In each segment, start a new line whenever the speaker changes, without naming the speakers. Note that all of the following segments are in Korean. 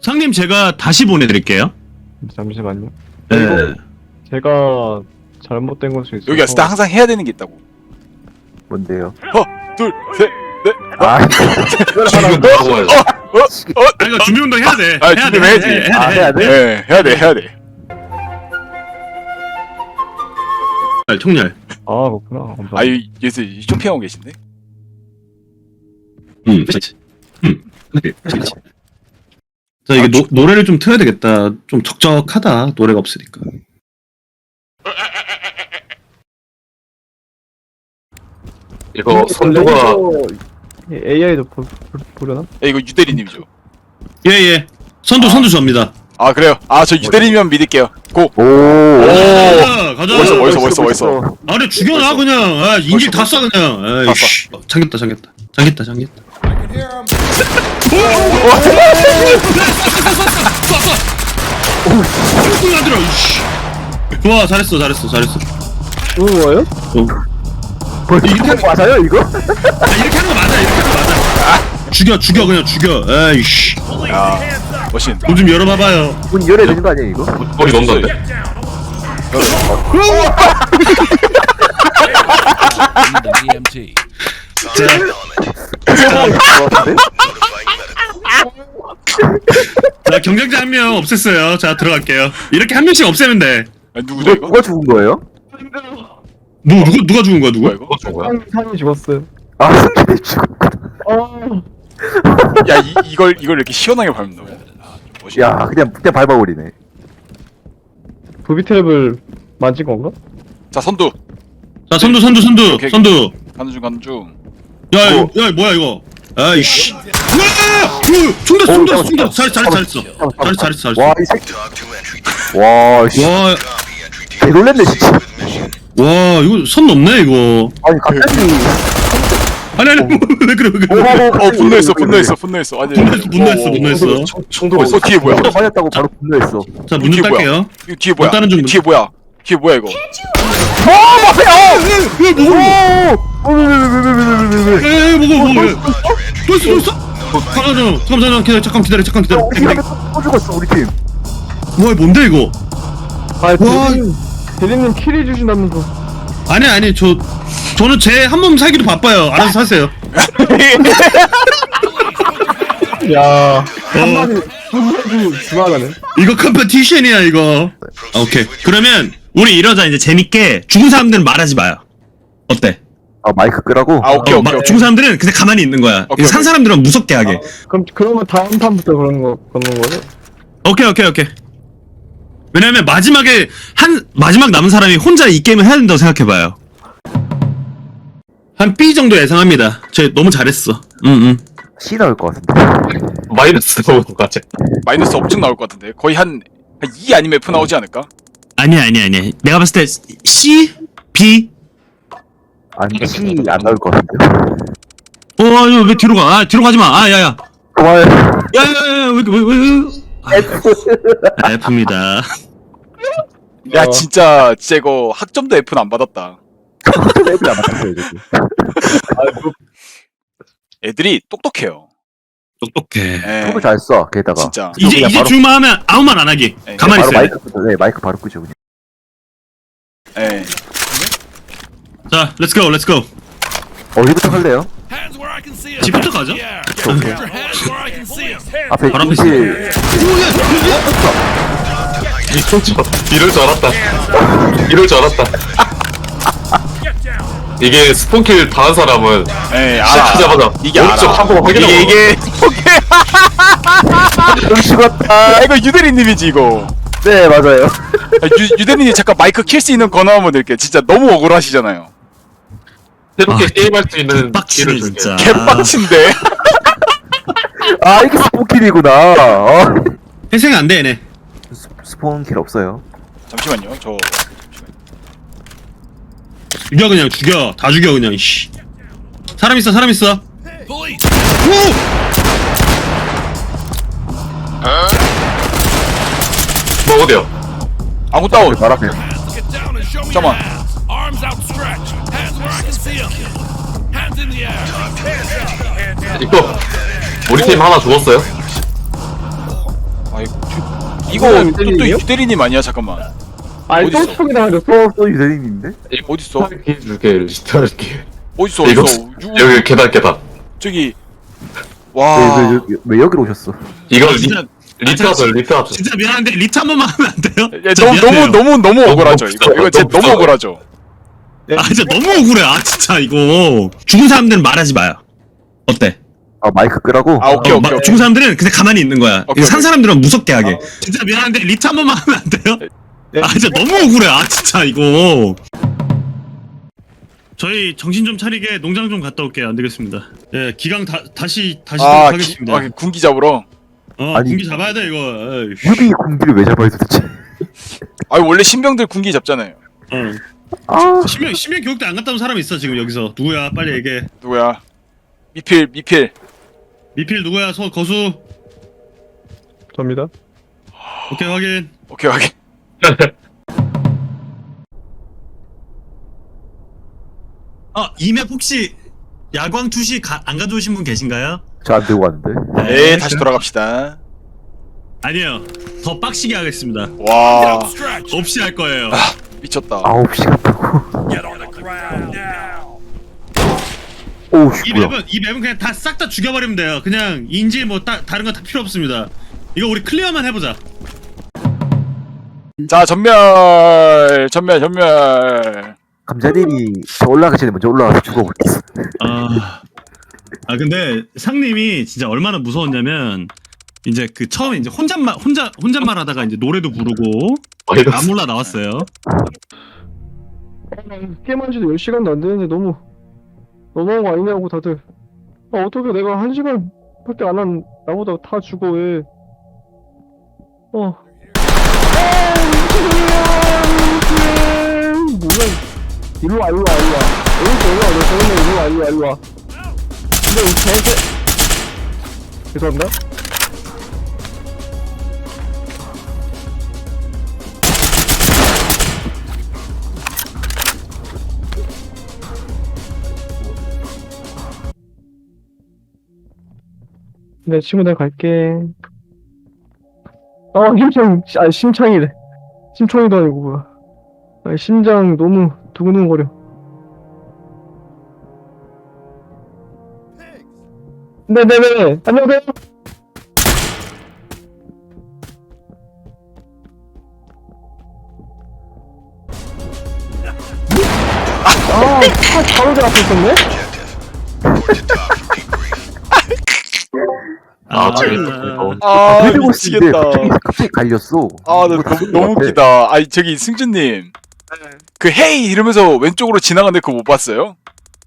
상님 제가 다시 보내드릴게요.
잠시만요.
네.
제가 잘못된 걸 수 있어요.
여기 왔을 때 항상 해야 되는 게 있다고.
뭔데요?
둘, 셋, 넷.
아,
지금 뭐라고 해요?
아 이거 준비운동 해야 돼.
아, 준비해야지.
해야 돼?
네, 해야 돼.
총열.
아 그렇구나. 감사합니다.
아유, 예스 쇼핑하고 계신데?
그렇지. 그렇지. 자 이게 노래를 좀 틀어야 되겠다. 좀 적적하다. 노래가 없으니까.
이거 선두가
AI도 보려나?
야, 이거 유대리님이죠.
예예. 선두 접니다.
아, 그래요. 아, 저 유대리님만 믿을게요. 고.
오.
가자.
멋있어.
아 근데 죽여놔 그냥. 아 인질 다 쏴 그냥. 아이씨. 잠겼다. 오, 안 들어. 이씨. 좋아, 잘했어.
이거 뭐예요?
이거 맞아요 이거?
아, 이렇게 하는 거 맞아. 죽여 그냥 죽여. 아이씨.
야, 멋있는.
문 좀 열어봐봐요.
문 열어야 되는 거 아니에요 이거?
머리 넘는데?
자 경쟁자 한 명 없앴어요. 자 들어갈게요. 이렇게 한 명씩 없애면 돼.
아, 누구죠 이거?
누가 죽은 거예요?
뭐 누가 죽은 거야 누가?
이거?
그거 좋은 거야?
상이 죽었어요.
아, 승진이 죽었구나.
야, 이걸 이렇게 시원하게 밟는다고? 멋있다.
야, 그냥 밟아버리네.
부비 트랩을 만진 건가?
자, 선두.
자 선두.
오케이. 가는 중.
야 뭐야 이거? 아이씨. 총됐어. 잘했어.
와, 이 새끼. 와, 씨.
와
개놀랬네 진짜.
이거 선 넘네 이거.
아니 갑자기.
아니 왜 그래?
분노했어. 아니,
분노했어.
총도가 있어.
뒤에 뭐야?
맞았다고 바로 분노했어.
자 문 좀
이게 뭐야?
딸게요.
이거 뒤에 뭐야?
다른 중.
뒤에 뭐야 이거?
뭐고? 또 있어? 잠깐 기다려.
우리 팀 또 죽었어 우리 팀.
와 뭔데 이거?
아 대리님 킬해 주신다면서.
아니 저는 제 한 몸 살기도 바빠요. 알아서 사세요.
야 한마디 중하다네.
이거 컴페티션이야 이거. 오케이. 그러면 우리 이러자 이제 재밌게 죽은 사람들은 말하지 마요. 어때?
아 마이크 끄라고?
아, 오케이.
죽은 사람들은 그냥 가만히 있는 거야.
오케이.
산 사람들은 무섭게 하게.
그러면 다음 판부터 그런 거죠?
오케이. 왜냐면 마지막 남은 사람이 혼자 이 게임을 해야 된다고 생각해봐요. 한 B 정도 예상합니다. 쟤 너무 잘했어.
C 나올 것 같은데.
마이너스 나오는 거 같아.
마이너스 엄청 나올 것 같은데. 거의 한 2 아니면 F 나오지 않을까?
아니야. 내가 봤을 때 C, B.
아니 C 안 나올 것 같은데.
이거 왜 뒤로 가? 뒤로 가지 마. 야야.
고마워요.
야야야 왜? F입니다.
야, 진짜 이거 학점도 F는 안 받았다.
애들 안 맞았어요 이제.
애들이 똑똑해요.
똑똑해.
예.
톱을 잘 써. 게다가.
진짜.
이제
바로-
죽을만 하면 아무 말 안 하기.
네,
가만히
바로
있어요.
마이크 끄죠. 네, 마이크 바로 끄죠 그냥.
예.
자, 렛츠고.
어디부터 할래요?
집부터 가죠.
앞에
바로 앞에
인질.
이럴 줄 알았다. 이게 스폰킬 당한 사람은
예,
시작하자마자
이게
오른쪽
알아.
한번 확인하고
이게
좀 죽었다.
이거 유대리님이지 이거.
네 맞아요.
유대리님 잠깐 마이크 킬 수 있는 권한 한번 드릴게요. 진짜 너무 억울하시잖아요.
새롭게 게임할 수 있는
빡치네
기회를 줄게.
진짜.
개빡친데.
아 이게 스폰킬이구나.
회생 안 돼, 얘네.
스폰킬 없어요.
잠시만요. 저
죽여. 다 죽여 그냥. 씨. 사람 있어.
뭐 어디야?
아무 다운.
말 앞에.
잠깐만.
이거 우리 팀 하나 죽었어요?
이거
그건
또
유대리님이요?
유대리님 아니야? 잠깐만.
아니 또
어딨어?
총이 나가졌어.
또 유대인인데?
어딨어?
이렇게 리스트할게.
어딨어?
이거
어딨어?
여기 계단.
저기
왜,
와.
왜 여기로 오셨어?
이거
진짜
리트하자.
진짜 미안한데 리트 한 번만 하면 안 돼요?
야,
진짜 미안해요.
너무 억울하죠. 이거
너무
진짜 너무
불쌍해.
억울하죠.
아 진짜 너무 억울해. 아 진짜 이거 죽은 사람들은 말하지 마요. 어때?
아 마이크 끄라고?
아 오케이 오케이.
죽은 사람들은 그냥 가만히 있는 거야.
오케이,
이거 산
오케이.
사람들은 무섭게 하게. 진짜 미안한데 리트 한 번만 하면 안 돼요? 아 진짜 너무 억울해. 아 진짜 이거. 저희 정신 좀 차리게 농장 좀 갔다 올게요. 안 되겠습니다. 예, 기강 다시
아,
하겠습니다.
군기 잡으러.
아니,
군기 잡아야 돼 이거. 에이씨.
유비 공기를 왜 잡아요 도대체?
아 원래 신병들 군기 잡잖아요.
아
심해 교육대 안 갔다 온 사람 있어 지금 여기서. 누구야? 빨리 얘기해.
누구야? 미필.
미필 누구야? 거수.
접니다.
오케이 확인.
오케이 확인.
이맵 혹시 야광 투시 안 가져오신 분 계신가요?
저 안 들고 왔는데.
네 다시 돌아갑시다.
아니요. 더 빡시게 하겠습니다.
와
없이 할 거예요.
미쳤다.
9시간 타고. 오우
이
뭐야?
맵은 그냥 다 싹 다 죽여버리면 돼요. 그냥 인지 뭐 다른 거 다 필요 없습니다. 이거 우리 클리어만 해보자.
자 전멸.
감자님이 저 올라가기 전에 먼저 올라가서 죽어버렸어.
근데 상님이 진짜 얼마나 무서웠냐면 이제 그 처음에 이제 혼잣말 하다가 이제 노래도 부르고
마이너스.
나몰라 나왔어요.
게임한 지도 10시간도 안 되는데 너무 너무한 거 아니냐고 다들. 어떻게 내가 1시간밖에 안 한 나보다 다 죽어 왜. 뭐야. 일로와. 너 저런데 일로와. 근데 이 개새. 죄송합니다. 네, 친구 내가 갈게. 심창이래. 심청이도 아니고 뭐야. 심장 너무 두근두근거려. 네네네. 안녕하세요. 차 바로 앞에 있었네?
재밌다.
아
그리고 있는데
미치겠다.
갑자기 갈렸어.
아, 나
이거 다
너무 웃기다. 아니, 저기, 승준님. 그, 헤이! 이러면서 왼쪽으로 지나가는데 그거 못 봤어요?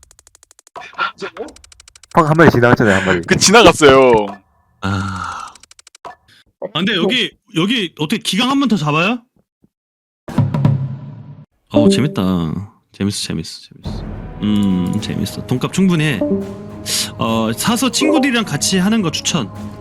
한 마리 지나갔잖아요 한 마리.
그, 지나갔어요.
근데 여기 어떻게 기강 한 번 더 잡아요? 재밌다. 재밌어. 재밌어. 돈값 충분히 해. 사서 친구들이랑 같이 하는 거 추천.